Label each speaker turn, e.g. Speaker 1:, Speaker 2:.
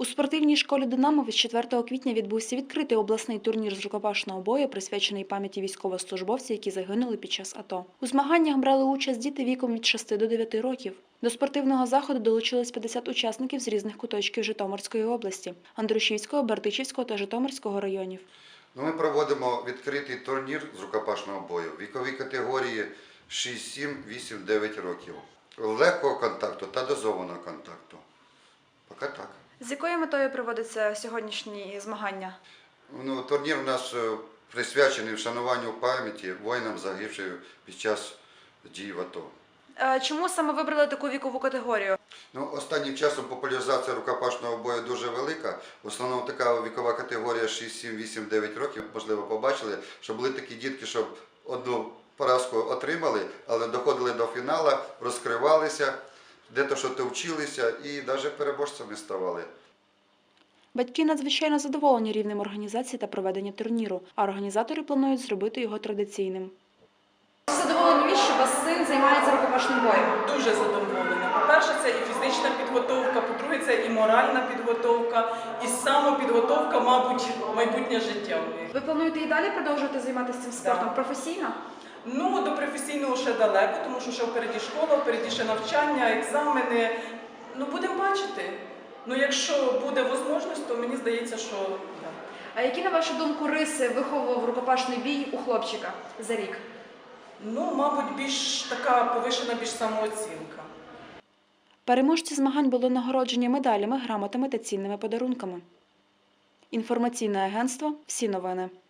Speaker 1: У спортивній школі «Динамо» від 4 квітня відбувся відкритий обласний турнір з рукопашного бою, присвячений пам'яті військовослужбовців, які загинули під час АТО. У змаганнях брали участь діти віком від 6 до 9 років. До спортивного заходу долучилось 50 учасників з різних куточків Житомирської області – Андрушівського, Бердичівського та Житомирського районів.
Speaker 2: Ми проводимо відкритий турнір з рукопашного бою віковій категорії 6, 7, 8, 9 років. Легкого контакту та дозованого контакту. Поки так.
Speaker 1: З якою метою проводяться сьогоднішні змагання?
Speaker 2: Турнір у нас присвячений вшануванню пам'яті воїнам, загибшим під час дій в АТО.
Speaker 1: Чому саме вибрали таку вікову категорію?
Speaker 2: Останнім часом популяризація рукопашного бою дуже велика. В основному така вікова категорія 6, 7, 8, 9 років. Можливо, побачили, що були такі дітки, що одну поразку отримали, але доходили до фіналу, розкривалися, де-то щось вчилися і навіть переможцями ставали.
Speaker 1: Батьки надзвичайно задоволені рівнем організації та проведення турніру, а організатори планують зробити його традиційним. Задоволені, що ваш син займається рукопашним боєм?
Speaker 3: Дуже задоволена. По-перше, це і фізична підготовка, по-друге, це і моральна підготовка, і самопідготовка, мабуть, майбутнє життя.
Speaker 1: Ви плануєте і далі продовжувати займатися цим спортом професійно?
Speaker 3: До професійного ще далеко, тому що ще впереді школа, впереді ще навчання, екзамени. Будемо бачити. Якщо буде можливість, то мені здається, що да.
Speaker 1: А які, на вашу думку, риси виховував рукопашний бій у хлопчика за рік?
Speaker 3: Мабуть, більш така повишена, більш самооцінка.
Speaker 1: Переможці змагань були нагороджені медалями, грамотами та цінними подарунками. Інформаційне агентство «Всі новини».